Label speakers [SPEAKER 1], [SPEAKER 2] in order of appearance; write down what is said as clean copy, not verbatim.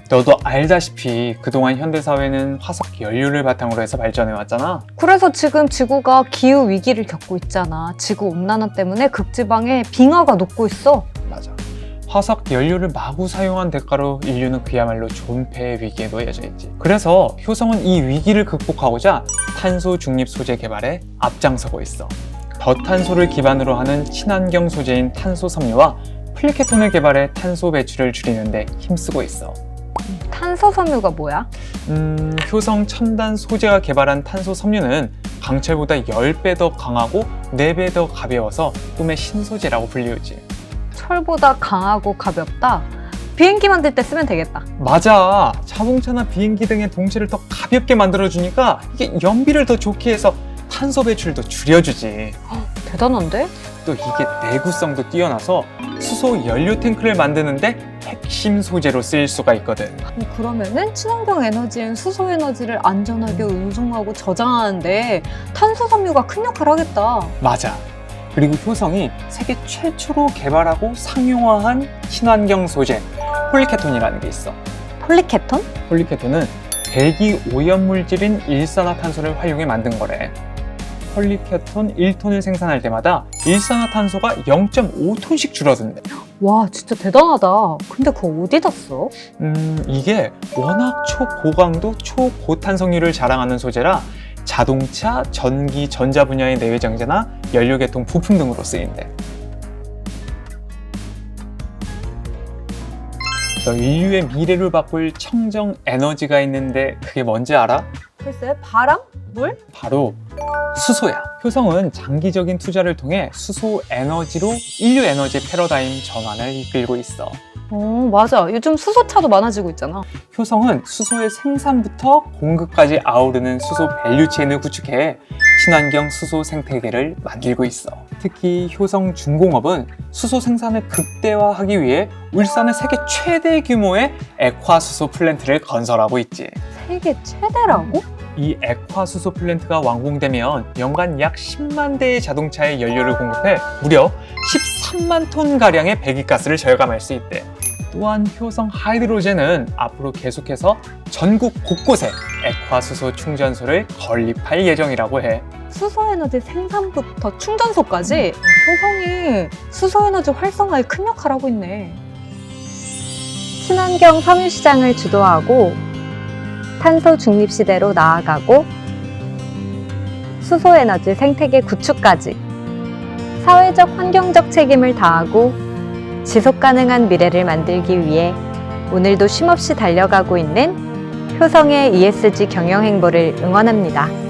[SPEAKER 1] 너도 알다시피 그동안 현대사회는 화석 연료를 바탕으로 해서 발전해왔잖아.
[SPEAKER 2] 그래서 지금 지구가 기후 위기를 겪고 있잖아. 지구 온난화 때문에 극지방에 빙하가 녹고 있어.
[SPEAKER 1] 맞아. 화석 연료를 마구 사용한 대가로 인류는 그야말로 존폐의 위기에 놓여져 있지. 그래서 효성은 이 위기를 극복하고자 탄소 중립 소재 개발에 앞장서고 있어. 저탄소를 기반으로 하는 친환경 소재인 탄소 섬유와 플리케톤을 개발해 탄소 배출을 줄이는데 힘쓰고 있어.
[SPEAKER 2] 탄소 섬유가 뭐야?
[SPEAKER 1] 효성 첨단 소재가 개발한 탄소 섬유는 강철보다 10배 더 강하고 4배 더 가벼워서 꿈의 신소재라고 불리우지.
[SPEAKER 2] 철보다 강하고 가볍다? 비행기 만들 때 쓰면 되겠다.
[SPEAKER 1] 맞아. 자동차나 비행기 등의 동체를 더 가볍게 만들어주니까 이게 연비를 더 좋게 해서 탄소 배출도 줄여주지.
[SPEAKER 2] 대단한데?
[SPEAKER 1] 또 이게 내구성도 뛰어나서 수소 연료 탱크를 만드는데 핵심 소재로 쓰일 수가 있거든.
[SPEAKER 2] 그러면은 친환경 에너지인 수소 에너지를 안전하게 운송하고 저장하는데 탄소 섬유가 큰 역할을 하겠다.
[SPEAKER 1] 맞아. 그리고 효성이 세계 최초로 개발하고 상용화한 친환경 소재 폴리케톤이라는 게 있어.
[SPEAKER 2] 폴리케톤?
[SPEAKER 1] 폴리케톤은 대기 오염 물질인 일산화탄소를 활용해 만든 거래. 폴리케톤 1톤을 생산할 때마다 일산화탄소가 0.5톤씩 줄어든대.
[SPEAKER 2] 와, 진짜 대단하다. 근데 그거 어디다 써?
[SPEAKER 1] 이게 워낙 초고강도 초고탄성유를 자랑하는 소재라 자동차, 전기, 전자 분야의 내외장재나 연료계통 부품 등으로 쓰인대. 너 인류의 미래를 바꿀 청정 에너지가 있는데 그게 뭔지 알아?
[SPEAKER 2] 글쎄, 바람? 물?
[SPEAKER 1] 바로 수소야. 효성은 장기적인 투자를 통해 수소 에너지로 인류 에너지 패러다임 전환을 이끌고 있어.
[SPEAKER 2] 맞아. 요즘 수소차도 많아지고 있잖아.
[SPEAKER 1] 효성은 수소의 생산부터 공급까지 아우르는 수소 밸류체인을 구축해 친환경 수소 생태계를 만들고 있어. 특히 효성 중공업은 수소 생산을 극대화하기 위해 울산에 세계 최대 규모의 액화수소 플랜트를 건설하고 있지.
[SPEAKER 2] 세계 최대라고?
[SPEAKER 1] 이 액화수소 플랜트가 완공되면 연간 약 10만 대의 자동차에 연료를 공급해 무려 13만 톤 가량의 배기가스를 절감할 수 있대. 또한 효성 하이드로젠은 앞으로 계속해서 전국 곳곳에 액화수소 충전소를 건립할 예정이라고 해.
[SPEAKER 2] 수소에너지 생산부터 충전소까지 효성이 수소에너지 활성화에 큰 역할을 하고 있네. 친환경 섬유 시장을 주도하고 탄소 중립 시대로 나아가고 수소에너지 생태계 구축까지 사회적 환경적 책임을 다하고 지속 가능한 미래를 만들기 위해 오늘도 쉼없이 달려가고 있는 효성의 ESG 경영 행보를 응원합니다.